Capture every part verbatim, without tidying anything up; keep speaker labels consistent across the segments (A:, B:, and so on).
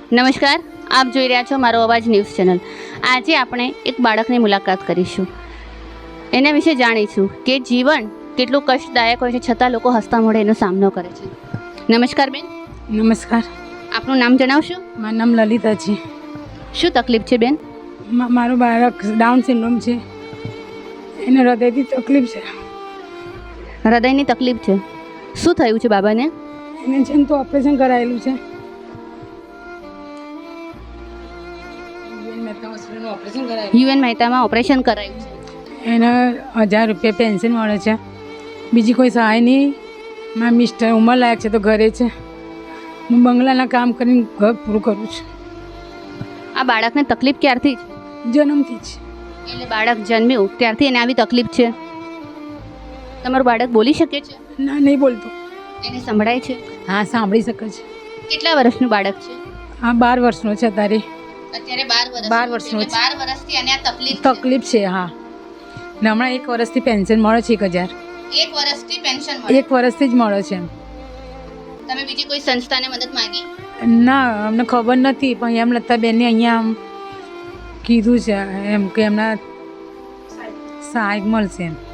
A: નમસ્કાર, આપ જોઈ રહ્યા છો મારો અવાજ ન્યૂઝ ચેનલ. આજે આપણે એક બાળકની મુલાકાત કરીશું. એના વિશે જાણીશું કે જીવન કેટલું કષ્ટદાયક હોય છે છતાં લોકો હસતા મોઢે એનો સામનો કરે છે. નમસ્કાર બેન.
B: નમસ્કાર.
A: આપનું નામ જણાવશો?
B: મારું નામ લલિતા છે.
A: શું તકલીફ છે બેન?
B: મા- મારું બાળક ડાઉન સિન્ડ્રોમ છે, એને હૃદયથી તકલીફ છે.
A: હૃદયની તકલીફ છે. શું થયું છે બાબાને?
B: એને છે ને તો ઓપરેશન કરાયેલું છે.
A: યુએન મહેતામાં ઓપરેશન કરાયું છે.
B: એને હજાર રૂપિયા પેન્શન મળે છે, બીજી કોઈ સહાય નહીં. મારા મિસ્ટર ઉંમરલાયક છે તો ઘરે છે. હું બંગલાના કામ કરીને ઘર પૂરું કરું છું.
A: આ બાળકને તકલીફ ક્યારથી છે?
B: જન્મથી જ.
A: એટલે બાળક જન્મ્યું ત્યારથી એને આવી તકલીફ છે. તમારું બાળક બોલી શકે છે?
B: ના, નહીં બોલતો.
A: એને સંભળાય છે?
B: હા, સાંભળી શકે છે.
A: કેટલા વર્ષનું બાળક છે?
B: હા, બાર વર્ષનો છે અત્યારે.
A: અત્યારે બાર વર્ષ
B: બાર વર્ષનો છે.
A: બાર વર્ષથી અને આ તકલીફ
B: તકલીફ છે. હા, ને હમણાં એક વર્ષથી પેન્શન મળે છે એક હજાર.
A: એક વર્ષથી પેન્શન મળે.
B: એક વર્ષથી જ મળે છે.
A: તમે બીજી કોઈ સંસ્થાને મદદ માંગી?
B: ના, અમને ખબર નથી, પણ એમ લતાબેનને અહીંયા આમ કીધું છે એમ કે એમના સહાય મળશે એમ.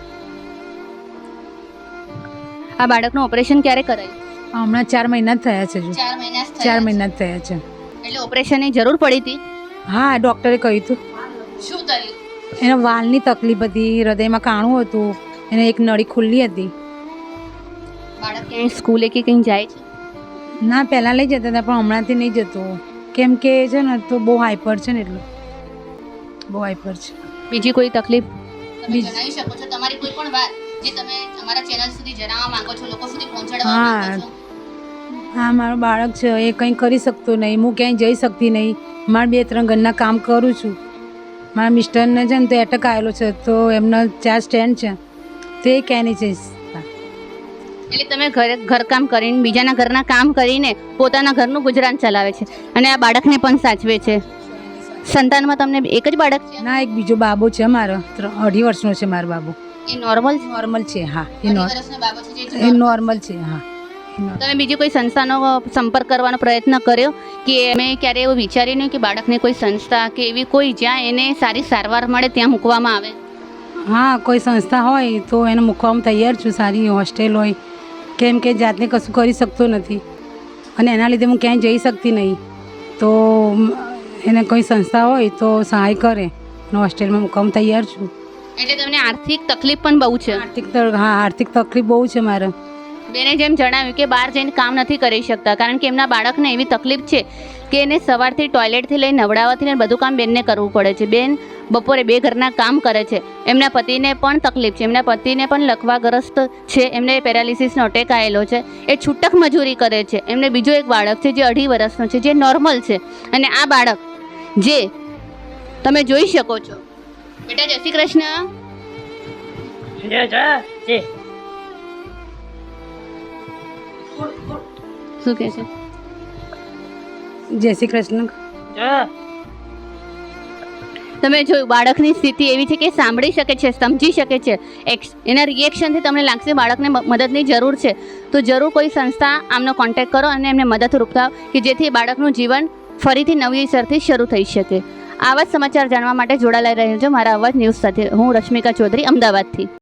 A: આ બાળકનું ઓપરેશન ક્યારે કરાયું?
B: હમણાં ચાર મહિના જ થયા છે. જો
A: ચાર મહિના જ થયા
B: ચાર
A: છે.
B: મહિના જ થયા છે.
A: એટલે ઓપરેશનની જરૂર પડી હતી?
B: હા, ડૉક્ટરે કહ્યું હતું.
A: શું થયું?
B: એને વાલની તકલીફ હતી, હૃદયમાં કાણું હતું, એને એક નળી ખુલ્લી હતી.
A: બાળક ક્યાંય સ્કૂલે કે કંઈ જાય છે?
B: ના, પહેલાં લઈ જતા હતા પણ હમણાંથી નહીં જતો, કેમ કે છે ને તો બહુ હાઈપર છે ને એટલું બહુ હાઈપર છે.
A: બીજી કોઈ તકલીફ તમે
B: બીજી-
A: જણાવી શકો છો? તમારી કોઈ પણ વાત જે તમે અમારા ચેનલ સુધી જણાવવા માંગો છો, લોકો સુધી પહોંચાડવા
B: હા.
A: માંગો છો?
B: હા, મારું બાળક છે, એ કંઈ કરી શકતો નહીં, હું ક્યાંય જઈ શકતી નહીં. મારા બે ત્રણ ઘરના કામ કરું છું. મારા મિસ્ટરને છે ને તો એટેક આવેલો છે, તો એમના ચાર સ્ટેન્ડ છે, તો એ ક્યાંય નહીં જઈ શકતા.
A: એટલે તમે ઘરે ઘરકામ કરીને બીજાના ઘરના કામ કરીને પોતાના ઘરનું ગુજરાન ચલાવે છે અને આ બાળકને પણ સાચવે છે. સંતાનમાં તમને એક જ બાળક છે?
B: ના, એક બીજો બાબો છે મારો, ત્રણ અઢી વર્ષનો છે મારો બાબો.
A: એ નોર્મલ છે?
B: નોર્મલ છે. હા, એ
A: અઢી
B: નોર
A: વર્ષનો બાબો છે જે
B: એ નોર્મલ છે. હા, એ નોર્મલ.
A: તમે બીજી કોઈ સંસ્થાનો સંપર્ક કરવાનો પ્રયત્ન કર્યો કે અમે ક્યારે એવું વિચાર્યું નહીં કે બાળકને કોઈ સંસ્થા કે એવી કોઈ જ્યાં એને સારી સારવાર મળે ત્યાં મૂકવામાં આવે?
B: હા, કોઈ સંસ્થા હોય તો એને મૂકવામાં તૈયાર છું, સારી હોસ્ટેલ હોય, કેમ કે જાતને કશું કરી શકતો નથી અને એના લીધે હું ક્યાંય જઈ શકતી નહીં. તો એને કોઈ સંસ્થા હોય તો સહાય કરે અને હોસ્ટેલમાં મૂકવામાં તૈયાર છું.
A: એટલે તમને આર્થિક તકલીફ પણ બહુ છે?
B: આર્થિક ત- હા, આર્થિક તકલીફ બહુ છે મારે.
A: બેને જેમ જણાવ્યું કે બહાર જઈને કામ નથી કરી શકતા કારણ કે એમના બાળકને એવી તકલીફ છે કે એને સવારથી ટોયલેટથી લઈને નવડાવવાથી લઈને બધું કામ બેનને કરવું પડે છે. બેન બપોરે બે ઘરના કામ કરે છે. એમના પતિને પણ તકલીફ છે, એમના પતિને પણ લકવાગ્રસ્ત છે, એમને પેરાલિસિસનો અટેક આવેલો છે, એ છૂટક મજૂરી કરે છે. એમને બીજો એક બાળક છે જે અઢી વર્ષનો છે, જે નોર્મલ છે. અને આ બાળક જે તમે જોઈ શકો છો. બેટા જય શ્રી કૃષ્ણ. શું કહે છે?
B: જય શ્રી કૃષ્ણ.
A: તમે જોયું બાળકની સ્થિતિ એવી છે કે સાંભળી શકે છે, સમજી શકે છે. એક્સ એના રિએક્શનથી તમને લાગશે બાળકને મ- મદદની જરૂર છે, તો જરૂર કોઈ સંસ્થા આમનો કોન્ટેક્ટ કરો અને એમને મદદરૂપ થાવ કે જેથી બાળકનું જીવન ફરીથી નવીસરથી શરૂ થઈ શકે. આવા જ સમાચાર જાણવા માટે જોડાયેલા રહેજો મારા અવાજ ન્યૂઝ સાથે. હું રશ્મિકા ચૌધરી, અમદાવાદથી.